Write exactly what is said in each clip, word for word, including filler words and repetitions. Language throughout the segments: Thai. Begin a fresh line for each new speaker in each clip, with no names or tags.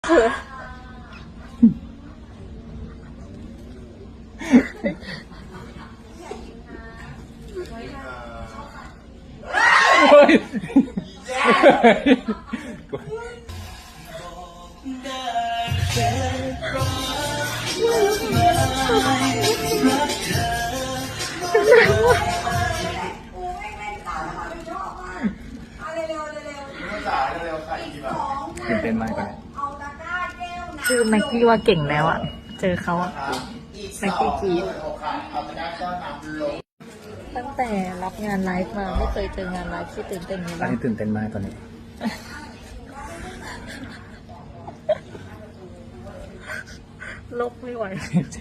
ตื่นเต้นมากกว่าคือแม็กกี้ว่าเก่งแล้วอะเจอเขาอะแม็กกี้กีดตั้งแต่รับงานไลฟ์มาไม่เคยเจองานไลฟ์ที่ตื่นเต้นนี้
ตอน
บ้าง
นี้ตื่นเต้นมากตอนนี้
ลบไม่ไหว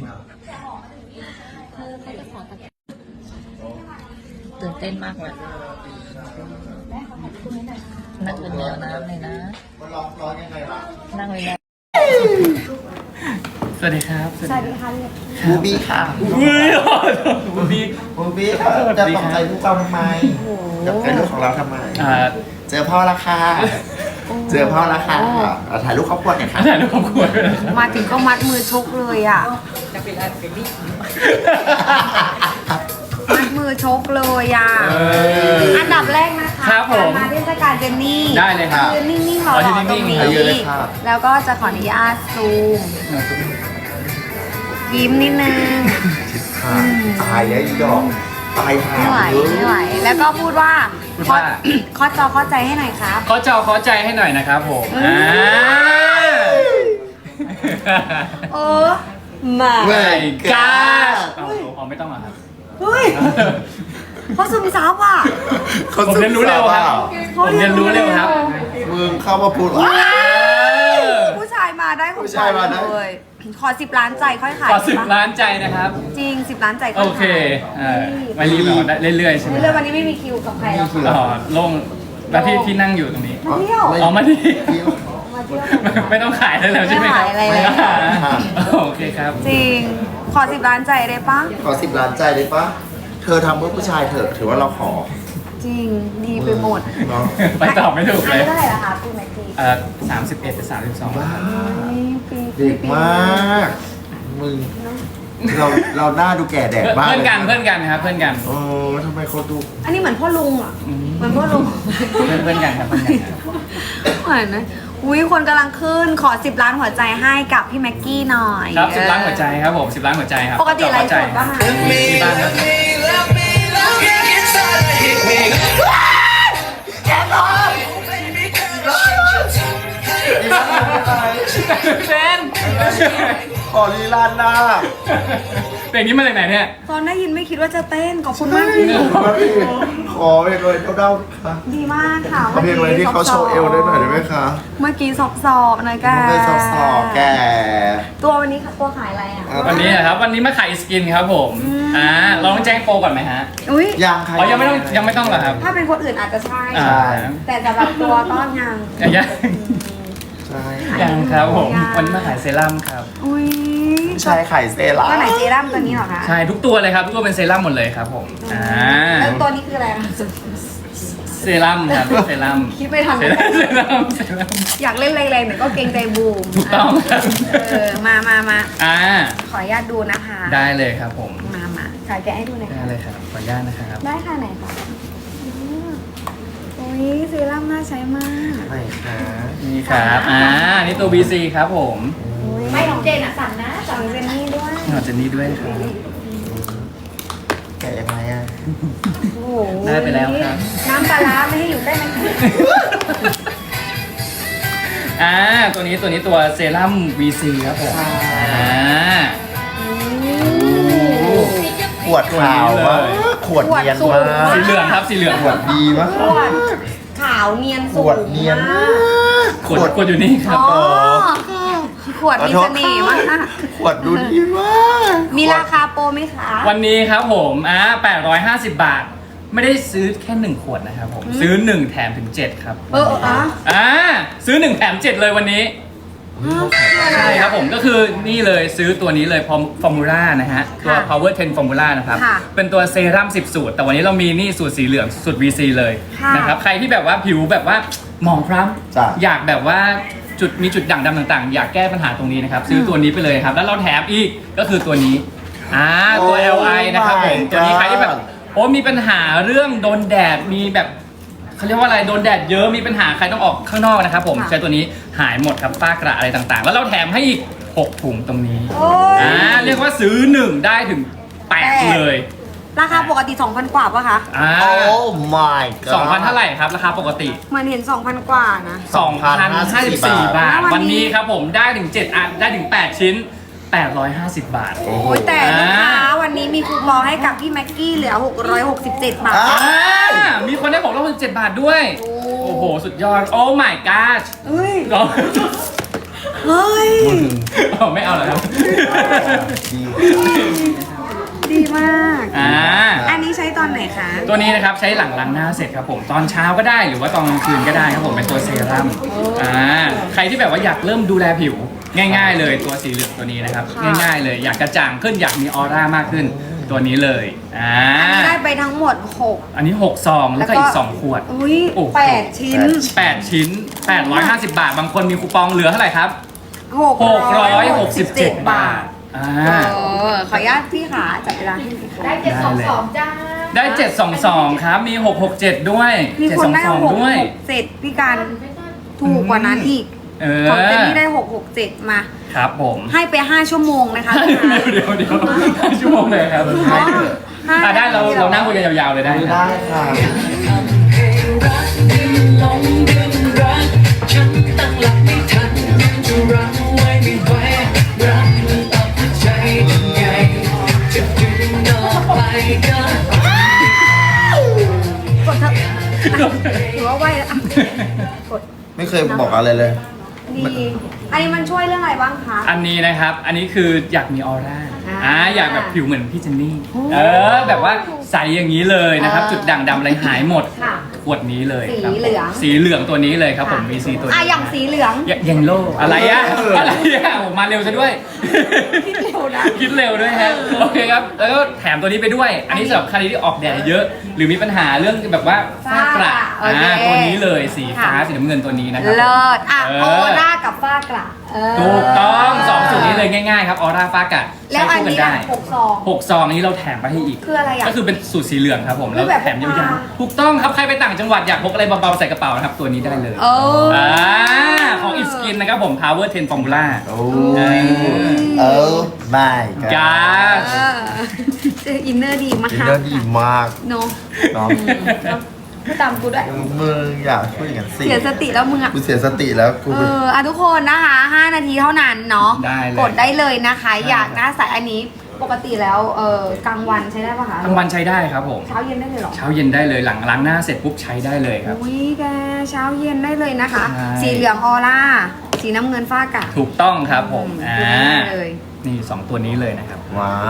ตื่นเต้นมากเลยนั่งเป็นแมวน้ำเลยนะนั่งเลยนะสวัสดีครับสวัสดีค่ะ
บูบี้ค่ะ
อุ้ยบูบี้
บูบี้ค่ะจะตกใจลูกเราทำไมจะใจลูกของเราทำไม
อ่า
เจอพ่อละค่ะเจอพ่อละค่ะเอาถ่ายรูปครอบครัวหน่อยค่ะ
ถ่ายรูปครอบครัวด้วยนะครับ
มาถึงก็มัดมือชกเลยอ่ะ มัดมือชกเลยอ่ะ อันดับแรกนะคะ
ครับผม
มาเทศกาลเจนนี่
ได้เลยครับ
ยืนนิ่งๆรอ
อ๋อยืน
ๆ
นิ่งๆ
ตรงนี้
เอาเยอะเลยค่ะ
แล้วก็จะขออนุญาตซูม ยิ้มนิดนึง
ชิดค่ะตายแล้วอีดอกตายหา
ไม่ไหว
เยอะ
ไม่ไหว แล้วก็พูดว่า
พูด
ขอ
ว่า
ขอจอเข้าใจให้หน่อยครับ
ขอจอขอใจให้หน่อยนะครับผมอ่า
เออมา
เว้ย
กา
ก้า
เอาเอาไม่ต้องหรอครับ
เฮ้ยเขาซึมซับอ่ะ
ผมเรียนรู้เร็วครับผมเรียนรู้เร็วครับ
มึงเข้ามาพูดว่า
ผู้ชายมาได้ของ
ผู้ชายมาได้
เลยขอสิบล้านใจค่อยขาย
ขอสิบ
ปะ
ล้านใจนะครับ
จริงสิบล้านใจค่
โอ
อย
เค
ขาย
เออไม่รีบเอาได้เรื่อยๆใช่ไหม
เรื่องวันนี้ไม่มีคิวกับใครแล้วค่ะ
อ๋อโล่งแล้วที่ที่นั่งอยู่ตรงนี้
มาเที่ยว
อ๋อมาที่
เที่ยว
มาเที่ยวกันค่ะ
ไม่ต้องขายได้แล้วใช่ไหมครับ
ไม่ขายอะไรแล้ว
โอเคครับ
จริง ขอสิบล้านใจได้ปะ
ขอสิบล้านใจได้ปะเธอทำเพื่อผู้ชายเถอะถือว่าเราขอ
จริงดีไปหมด
เนาะ
ไปตอบไม่ถูก
อั
เลย
นนี้เท่าไหร่ละคะพี่แม็กกี้
เอ่อสามสิบเอ็ดหรือสามสิบสอง
ว้า
ปี
เด็กมากมึงเราเราหน้าดูแก่แดดมาก
เพื่อนกัน
ลยะ
เพื่อนกันครับเพื่อนกัน
โอ้ทำไมเขาดู
อันนี้เหมือนพ่อลุงอ่ะเหมือนพ่อลุง
เพื่อนเพื่อนกันครับเพื่อนกันครับ
เหมือนนะอุ้ยคนกำลังขึ้นขอสิบล้านหัวใจให้กับพี่แม็กกี้หน่อย
ครับสิบล้านหัวใจครับผมสิบล้านหัวใจครับ
ปกติไลฟ์สดป่ะคะ
มีบ้างครับเซน
ขอลีลาหน้า
เพลงนี้มาจากไหนเนี่ย
ตอนได้ยินไม่คิดว่าจะเต้นขอบคุณมาก
ขอเพลงเลยเด้าๆค่ะ
ดีมากค่ะ
ขอเพลงเลยที่เขาโชว์เอวได้หน่อยได้ไหมคะ
เมื่อกี้สอบสอบๆหนะแก
ไม่สอบสอบแก
ตัววันนี้ตัวขายอะไรอ่ะ
วันนี้นะครับวันนี้มาขายสกินครับผมอ่าเราต้องแจ้งโปรก่อนไหมฮะ
อุ้ย
ยังค่ะ
อ๋อยังไม่ต้องยังไม่ต้องเหรอครับ
ถ้าเป็นคนอื่นอาจจะใช่
อ่า
แต่สำหรับตัวก็ยัง
ยัง
ใช่
ยังครับผม
ยัง
วันนี้มาขายเซรั่มครับ
อุ้ย
ใช่ไข่เซรั่ม
ตัวไหนเซรั่มตัวนี้เหรอคะ
ใช่ทุกตัวเลยครับทุกตัวเป็นเซรั่มหมดเลยครับผมอ่า
แล้วตัวนี้คืออะไรคะ
เซรั่มครับเซรั่ม
คิดไปทำ
เซรั่มเซรั่มเซรั่ม
อยากเล่นแรงๆแต่ก็เกรงใจบูม
ถูกต้องครับ
เออมามามา
อ่า
ขออนุญาตดูนะคะ
ได้เลยครับผม
มามาขายแกะให้ดูหน่อย
ได้
ค่ะ
เลยครับขออนุญาตนะครับ
ได้ค่ะไหนคะอืมโอ้ยเซรั่มน่าใช้มาก
ไหนคะ
นี่ครับอ่านี่ตัว บี ซี ครับผม
ไม่ของเจนอ่ะสั่งนะสั่งเจนนี่ด้วย
ขอเจนนี่ด้วยครับ
แกะยังไงอ่ะ
โอ้โห
ได้ไปแล้วครับ
น้ำปลาร้าไม่ให้อยู่ใกล้มัน
อ่าตัวนี้ตัวนี้ตัวเซรั่ม วี ซี ครับผมอ่า
ขวดขาวมากขวดเนียนมาก
สีเหลืองครับสีเหลือง
ขวดดีมาก
ขวดขาวเนียน
ข
สูง
วดเนียน
มาม
าก ก
ขวดขวดอยู่นี่ครับ
อ๋อขวดมีเสน่ห์มาก
ขวดดูดีมาก
มีราคาโปรไหมคะ
วันนี้ครับผมอ่าแปดร้อยห้าสิบบาท ไม่ได้ซื้อแค่หนึ่งขวดนะครับผมซื้อหนึ่งแถมถึงเจ็ดครับ
เอออ่ะ
อ่าซื้อหนึ่งแถมเจ็ดเลยวันนี้ใช่ครับผมก็คือนี่เลยซื้อตัวนี้เลยฟอร์มูล่านะฮะตัว power สิบ formula นะครับเป็นตัวเซรั่มสิบสูตรแต่วันนี้เรามีนี่สูตรสีเหลืองสูตร วี ซี เลยนะครับใครที่แบบว่าผิวแบบว่าหมองคล้
จ้ะ
ำอยากแบบว่าจุดมีจุดด่างดำต่างๆ อยากแก้ปัญหาตรงนี้นะครับ ซื้อตัวนี้ไปเลยครับ แล้วเราแถมอีกก็คือตัวนี้อ่าตัว แอล ไอ นะครับผมตัวนี้ใครที่แบบโอ้มีปัญหาเรื่องโดนแดดมีแบบเขาเรียกว่าอะไรโดนแดดเยอะมีปัญหาใครต้องออกข้างนอกนะครับผมใช้ตัวนี้หายหมดครับฝ้ากระอะไรต่างๆ แล้วเราแถมให้อีกหกถุงตรงนี้
โอ้ย
อ่าเรียกว่าซื้อหนึ่งได้ถึงแปดเลย
ราคาปกติ สองพัน กว่าปะคะ
อ่า
โอ้ my god
สองพันเท่าไหร่ครับราคาปกติ
เหมือนเห็น สองพัน กว่านะ
สองพันห้าสิบสี่ บาท
วั
วัน
นนี้
นี้ครับผมได้ถึงเจ็ดอันได้ถึงแปดชิ้นแปดร้อยห้าสิบบาท
โอ้โห
โอ้ยแต่ลูกค้า
อ่า
วันนี้มีคูปองให้กับพี่แม็กกี้เหลือ หกร้อยหกสิบเจ็ด บาท
อ่า
อ่ามีคนได้บอกเราเจ็ดบาทด้วย
โอ้
โอ้โห สุดยอด โอ้ my god
เฮ้ย
ก็
เฮ้ย
อ๋อไม่เอาเหรอครับ
ดี
ดีมาก
อ่า
อันนี้ใช้ตอนไหนคะ
ตัวนี้นะครับใช้หลังล้างหน้าเสร็จครับผมตอนเช้าก็ได้หรือว่าตอนกลางคืนก็ได้ครับผมเป็นตัวเซรั่มอ่าใครที่แบบว่าอยากเริ่มดูแลผิวง่าย ๆ เลยตัวสีเหลืองตัวนี้นะครับ
ค่ะ
ง่ายๆเลยอยากกระจ่างขึ้นอยากมีออร่ามากขึ้นตัวนี้เลยอ่า
อันนี้ได้ไปทั้งหมดหก
อันนี้หกซองแล้วก็อีกสองขวด
อุ้ย
โอ้โห
แปดชิ้น
แปดชิ้นแปดร้อยห้าสิบบาท บางคนมีคูปองเหลือเท่าไหร่ครับ
หก
หกร้อยหกสิบเจ็ดบาทอ่า
เออขออนุญาตพี่ขาจับเวลาให้หน่อยค่ะ
ได้เจ็ดสองสองจ้า
ได้เจ็ดสองสองครับมีหกหกเจ็ดด้วย
มี
เจ็ด
คน
สอง
ได้
สอง
หก
ด้วย
หกเจ็ดพี่การถูกกว่านั้นอีก
เออ
ของเจนนี่ได้หกหกเจ็ดมา
ครับผม
ให้ไปห้าชั่วโมงนะคะพี่คะ
เดี๋ยวเดี๋ยวห้าชั่วโมงเลยครับ
ให้เถอะ
ห้า
อ่ะได้เราเรานั่งคุยกันยาวๆเลยได้ครับ
ได้ค่ะ
ฉันตั้งหลักไม่ทันจะรั้งไว้ไม่ไหวรักมันตัดใจยังไงจะดึงออกไปก็
กดเถอะถือว่าไหวแล้วอ่ะกด
ไม่เคยบอกอะไรเลย
ดีอันนี้มันช่วยเรื่องอะไรบ้างคะ
อันนี้นะครับ อันนี้คืออยากมีออร่า
อ่า
อ่าอยากแบบผิวเหมือนพี่เจนนี่
โอ้
เออ แบบว่าใสอย่างนี้เลยนะครับ
เออ
จุดด่างดำอะไรหายหมด
ค่ะ
ขวดนี้เลย
สี
ครับผม
เหลือง
สีเหลืองตัวนี้เลยครับผมมีสีตัวนี้
อ่ะอย่างสีเหลือง
ยยังโลอะไรอะ
เอออ
อะไรอะโอ้มาเร็วซะด้วย
คิดเร็วนะ
คิดเร็วด้วยฮะโอเคครับ แล้วก็แถมตัวนี้ไปด้วย อันนี้สำหรับใครที่ออกแดดเยอะ หรือมีปัญหาเรื่องแบบว่าฝ้ากระ
โอเค
อ่าตัวนี้เลยสีฟ้า
ค่ะ
สีน้ำเงินตัวนี้นะครับ
เลิศอ่ะ
เอ
โอ
อ
ร่ากับฝ้ากระเออ
ถูกต้องสองสูตรนี้เลยง่ายๆครับออร่าฟ้ากะ
แล้
ใช้
วอัน
คู่กัน
นี้
ได้
อ่ะหกซอง
หกซองนี้เราแถมไปให้อีก
คืออะไรอ่ะ
ก็คือเป็นสูตรสีเหลืองครับผม แล้ว
คือแบบ
แถมยา
พก
ว
พา
ๆถูกต้องครับใครไปต่างจังหวัดอยากพกอะไรเบาๆใส่กระเป๋านะครับตัวนี้ได้เลย
โอ้
อ่าของ It Skin นะครับผม Power สิบ Formula
โอ้
เออ
โอ้ my god
กา
เออเจออินเนอร์ดีมาก
อินเนอร์ดีมาก
เนาะ
เนาะ
พูดตามกูด้วย
มึงอยากพูดอย่างนั้นสิ
เสียสติแล้วมึงอ่ะ
กูเสียสติแล้วกู
เอออ่ะทุกคนนะคะห้านาทีเท่านั้นเนาะ
ได้เลย
กดได้เลยนะคะ อยากหน้าใสอันนี้ ปกติแล้วเออกลางวันใช้ได้ปะคะ
กลางวันใช้ได้ครับผม
เช้าเย็นได้เลยเหรอ
เช้าเย็นได้เลยหลังล้างหน้าเสร็จปุ๊บใช้ได้เลยครับ
อุ้ยแกเช้าเย็นได้เลยนะคะ
ใช่
สีเหลืองออร่า สีน้ำเงินฟ้ากะ
ถูกต้องครับผม
อื
อ่า
ได้เลย
นี่สองตัวนี้เลยนะครับ
ว้าว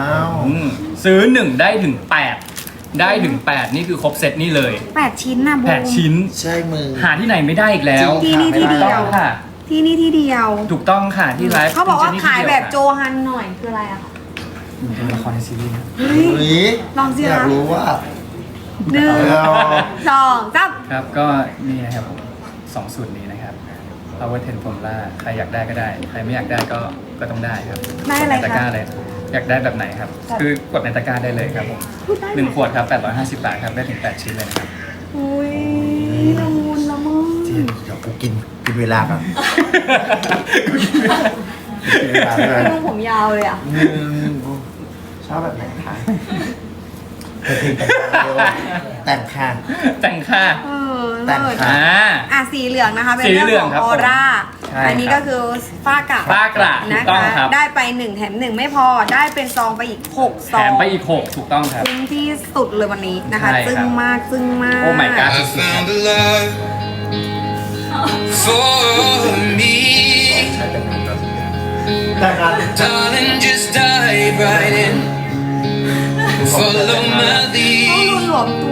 อืมซื้อหนึ่งได้ถึงแปดได้ถึงแปดนี่คือครบเซตนี่เลย
แปดชิ้นนะบู
แปดชิ้น
ใช่มึง
หาที่ไหนไม่ได้อีกแล้ว
ที่นี่ที่เดียว
ถูกต้องค่ะ
ที่นี่ที่เดียว
ถูกต้องค่ะที่ไลฟ์
เขาบอกว่า
ที่
ขาย
ที่
แบ
เดี
บ
ค่ะ
โจฮันหน่อยคืออะไรอะคะ
เป็นละครในซีรีส์นะ
เฮ้ย
อุ๊ย
ลองสิ
อยาก
คะ
รู้ว่า
หนึ่ง
เอา
สองสาม
ครับก็นี่นะครับผมสองสูตรนี้นะครับ Power สิบ Formula ใครอยากได้ก็ได้ ใครไม่อยากได้ก็ก็ต้องได้ครับ
ได้อะไร
ในตะกร้า
คะ
เลย อยากได้แบบไหนครับ คือกดในตะกร้าได้เลยครับผม
พูดได้
หนึ่งขวดครับแปดร้อยห้าสิบบาทครับได้ถึงแปดชิ้นเลยนะครับ
อุ้ยละมุนละมุน
เดี๋ยวกูกินกินเวลาก่อนกินเวลาด้วย
ลุงผมยาวเลยอ่ะ
อืมชอบแบบไหนคะเธอเพลงแต่งค่ะ
แต่งค่ะ
เออ
แต่ง
เลิศ
ค่ะ
อ่า
อ่ะสีเหลืองนะคะ เป็น
สี
เรื่อง
เหลือง
ของ
ครับ
ออร่า
ใช่
อันนี้
ครั
ก็
บ
คือฝ้ากระ
ฝ้ากระ
นะ
ถูกต้อง
คะ
ครับ
ได้ไปหนึ่งแถมหนึ่งไม่พอ ได้เป็นซองไปอีกหกซ
แถ
อง
มไปอีกหกถูกต้องครับ
คุ้มที่สุดเลยวันนี้นะคะ
ใช่ครับ
ซึ่งมากซึ่งมาก
โอ้ my god
I found a love for me
แต่งงาน
Darling just dive right in Follow my
ต้อง
lead
รุนหลวมตัว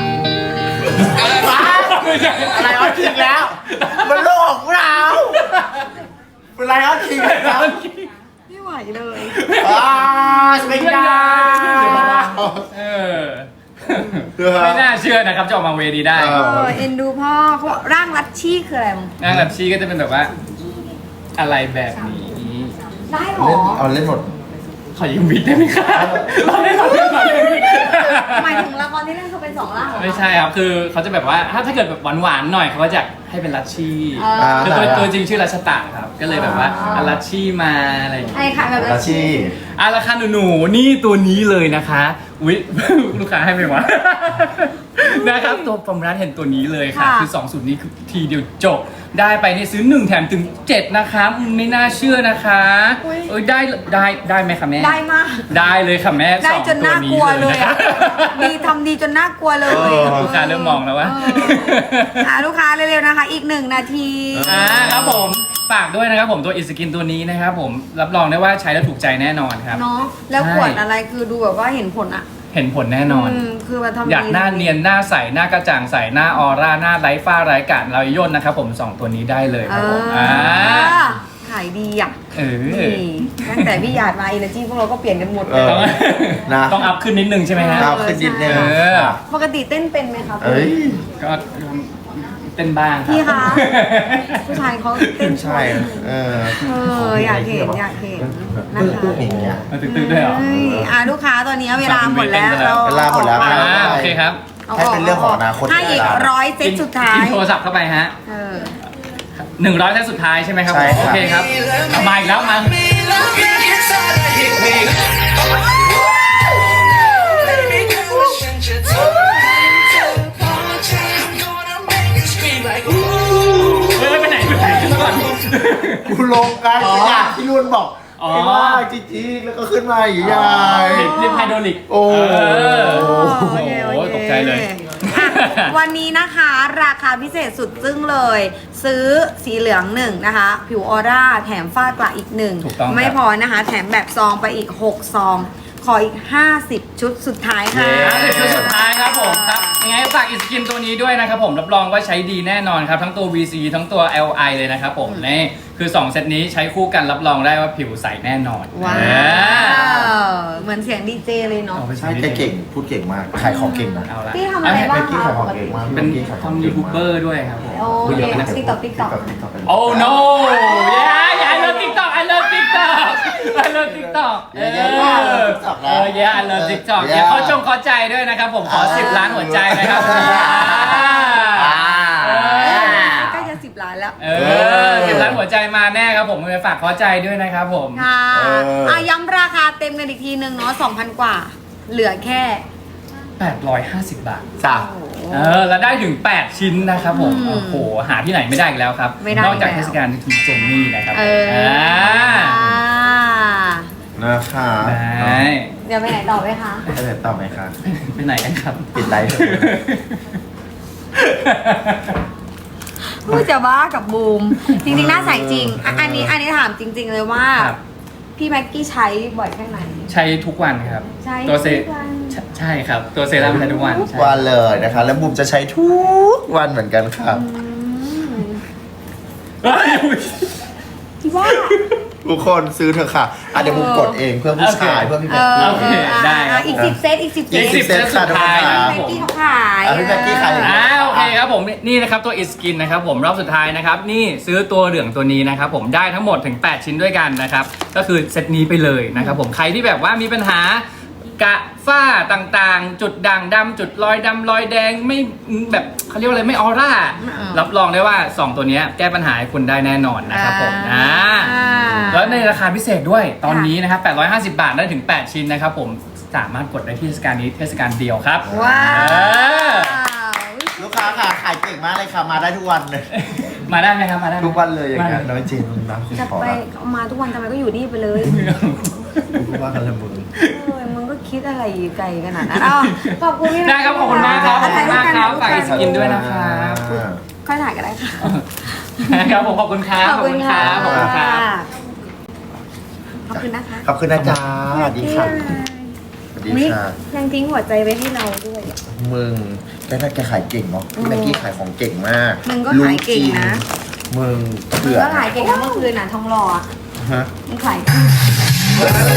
อะไรเอาจริงแล้ว มันโลกของเราเป็นไรเอาจริงแล้ว
ไม่ไหวเลย
อ้าวไม่ได้
เออ ไม่น่าเชื่อนะครับจะออกมาเวดีได้
เอ
เออเอ็นดูพ่อเขาบอกร่างลัดชี่คืออะไรมึง
งานแบบชีก็จะเป็นแบบว่าอะไรแบบนี้
ได้หรอ
เล่นเอาเล่นหมด
ขอยืมวิดได้ไหมครับเราเล่นเราเล่นเราเล่น
หมายถึงละครที่เล่นคือเป็นสองร่างเหรอ
ไม่ใช่ครับคือเขาจะแบบว่าถ้าถ้าเกิดแบบหวานๆหน่อยเขาก็จะให้เป็นลัชชี่
อ่า
คือตัวตัวจริงชื่อรัชตะครับก็เลยแบบว่าเอาลัชชี่มาอะไรอย่างเงี้ย
ไอ้ค่ะแบบ
อาชีพ
อ่ะราคาหนูๆนี่ตัวนี้เลยนะคะวิ ลูกค้าให้ไหมวะ นะครับตัวฟอร์มร้านเห็นตัวนี้เลยค่ะ คือสองสูตรนี้คือทีเดียวจบ ได้ไปนี่ซื้อหนึ่งแถมถึงเจ็ดนะคะอืมไม่น่าเชื่อนะคะเอ้ยได้ได้ได้ไหมคะแม่
ได้มาก
ได้เลยค่ะแม่
ได้
สอง
จนน่ากลัวเลย
นะค
อะ
รับ
ดีทำดีจนน่ากลัวเลย
เออ
ลูกค้าเริ่มมองแล้วว่า
เอออ่ะลูกค้าเร็วๆนะคะ อีกหนึ่งนาที
อ่าครับผมฝากด้วยนะครับผมตัวอิสกินตัวนี้นะครับผมรับรองได้ว่าใช้แล้วถูกใจแน่นอนครับ
เนาะแล้ว
ใช่
ขวดอะไรคือดูแบบว่าเห็นผลอะ
เห็นผลแน่นอน
มคือมันทำดี
อยากหน้าเนียนหน้าใสหน้ากระจ่างใสหน้าออร่าหน้าไร้ฝ้าไร้กาดเราย่นนะครับผมสองตัวนี้ได้เลยครับผม
อ่า
อ่า
ขายดีอ่ะ
เออ
นี่ตั้งแต่พี่หยาดมาอินเนอร์จีพวกเราก็เปลี่ยนกันหมด
เอ
เลย
อ
ต้อง
นะ
ต้องอัพขึ้นนิดนึงใช่ไหมฮะ
เอาขึ้นนิดนึง
เออ
ปกติเต้นเป็นไหมคะคุณ
เอ้ย
ก็เต้นบ้างรับ
พี่คะ ผู้ชายเขาเต้น
ใช่ เออ
เอออยากเห็นอยากเห็นนะคะ
ตึ้งๆอย่างเงี้ย
มันตึกๆด้วยเหรอ
เอ้ยอ่ะลูกค้าตอนนี้เวลาหมดแล้ว
เวลาหมดแล้ว
อ่าโอเคครับ
ให้เป็นเรื่องของอนาคต
ให้อีกร้อยเซตสุดท้าย
กินโทรศัพท์เข้าไปฮะ
เออ
หนึ่งร้อยเซตสุดท้ายใช่ไหมครับ
ใช่ครับ
โอเคครับเอามาอีกแล้วมา เฮ้ยไปไหนไปไหนขึ้นมาก่อน
กูลงกัน
อ๋อ
อยากที่นุ่นบอก
อ๋อ
ไอ้ว่าจริงๆแล้วก็ขึ้นมาอย่างใหญ่
เรียบไฮโดรลิก
โอ้
เออ
โอ
โอ้
เค
โห
โอเค
ตกใจเลย
อ่ะวันนี้นะคะราคาพิเศษสุดจึ้งเลย ซื้อสีเหลืองหนึ่งนะคะ ผิวออร่าแถมฝ้ากระอีกหนึ่ง
ถูกต้องครับ
ไม่พอนะคะ แถมแบบซองไปอีก หก ซอง ขออีก ห้าสิบ ชุดสุดท้ายค่ะ
ห้าสิบชุดสุดท้ายครับผมครับยังไงฝากอิสกินตัวนี้ด้วยนะครับผมรับรองว่าใช้ดีแน่นอนครับ ทั้งตัว วี ซี ทั้งตัว แอล ไอ เลยนะครับผมนี่คือสองเซตนี้ใช้คู่กันรับรองได้ว่าผิวใสแน่นอน
ว้า
เออ
ว เหมือนเสียงดีเจเลยเนาะ
เอาไป
ใช่แกเก่ง พูดเก่งมาก ขายของเก่งนะ
เอาละ
พี่ทำอะไรบ้าง
เมื่อกี้ขายของเก่งมาก
เป็น
มื่อกี้ขายของ
ทำ
เก่
ยู
ง
ทูบ
มาก
เบอร์ด้วยครับผม
โอ้ย TikTok TikTok
TikTok
โอ้ no yeah yeah I love TikTok I love TikTok I love TikTok เออ
TikTok
เออ yeah I love TikTok
เออ
เดี๋ยวเขาจงขอใจด้วยนะครับผมขอสิบล้านหัวใจนะครับ
อ่า
เออ
ใกล้จะสิบล้านแล้ว
เออสิบล้านหัวใจมาแน่ครับผมไปฝากขอใจด้วยนะครับผม
ค่ะ
เอออ่
อ่ะย้ำราคาเต็มกันอีกทีหนึ่งเนาะสองพันกว่า เหลือแค่
แปดร้อยห้าสิบบาท
จ้ะ
เออแล้วได้ถึงแปดชิ้นนะครับผม
อืม
โอ้โหหาที่ไหนไม่ได้อีกแล้วครับ
ไม่ได้
นอกจาก
แล้ว
เทศกาลทีเจนนี่นะครับ
เออ
อ่า
นะคะ
ได้
เดี๋ยวไปไหนต่อไหมคะ
ไปไหนต่อไหมคะ
ไปไหนกันครับ
ปิดไลฟ์เถอะ
พูดจะบ้ากับบูม จริงๆ น่าใส่จริงอ่ะอันนี้อันนี้ถามจริง ๆ เลยว่า
ครับ
พี่แม็กกี้ใช้บ่อยแค่ไหน
ใช้ทุกวันครับ
ใช้
ตัวเซ
ทุกวัน
ใช่ใช่ครับ ตัวเซรั่มใช้ทุกวัน
ทุก
ใช่
วันเลยนะคะ แล้วบุมจะใช้ทุกวันเหมือนกันครับ
อืม
เฮ้ยอุ๊ย
ที่ว่า
ทุกคนซื้อเถอะค่ะอ่ะเดี๋ยวบุมกดเองเพื่อผู้ชาย
โอเค
เพื่อพี่
เอ
แม็ก
อ
กี้
โอเค
เออ
ได้ครับ
อ่ะอีกสิบเซตอีกสิบเซ
อี
ต
กสิบเซตสุดท้าย
ค
นะ
รับ
ครับ
แม็ก
ผม
กี้เขาขาย
อ่ะพี่แม็กกี้ขาย
อ่าโอเคครับผมนี่นะครับตัวอิสกินนะครับผมรอบสุดท้ายนะครับนี่ซื้อตัวเหลืองตัวนี้นะครับผมได้ทั้งหมดถึงแปดชิ้นด้วยกันนะครับก็คือเซตนี้ไปเลยนะครับผมใครที่แบบว่ามีปัญหากระฝ้าต่างๆ จุดด่างดำจุดรอยดำรอยแดงไม่แบบเขาเรียกว่าอะไรไม่ออร่า รับรองได้ว่าสองตัวเนี้ยแก้ปัญหาให้คุณได้แน่นอนนะครับผมอ่าแล้วในราคาพิเศษด้วยตอนนี้นะครับแปดร้อยห้าสิบบาทได้ถึงแปดชิ้นนะครับผมสามารถกดได้ที่เทศกาลนี้เทศกาลเดียวครับ
ว้า
เออ
ว
ลูกค้าค่ะขายเก่งมากเลยค่ะ มาได้ทุกวันเลย
มาได้ไหมครับมาได้ไหม
ทุกวันเลยอย่างเงี้ย
มา
น้อยเจนนะคุณ
จะ
ขอ
ไป
ละ
เอามาทุกวันทำไมก็อยู่นี่ไปเลย
ทุกวันกันละมึง
เออมึงก็คิดอะไรไกลขนาดนั้นอ้าวขอบคุณพี่
ได้ครับขอบคุณมากครับขอบคุณมากครับฝากอิสกินด้วยนะค
อ่า
รับ
ค่อยถ่ายก็ได้ค่ะ
ครับผมขอบคุณครับ
ขอบคุณค่ะ
ขอบคุณครับ
ขอบคุณนะคะ
ขอบคุณนะจ๊ะสวัสดีค่ะสวัสดี
นี่
ค่ะ
ยังทิ้งหัวใจไว้ให้เราด้วย
มึงแกน่าแกขายเก่งเนาะพี่แม็กกี้ขายของเก่งมาก
มึงก็ขายเก่งนะ
รู้จริมึง
มึง
เถื่อ
ก็ขายเก่งนะเมื่อคืนน่ะทองหล่ออะ
ฮะ
มึงขาย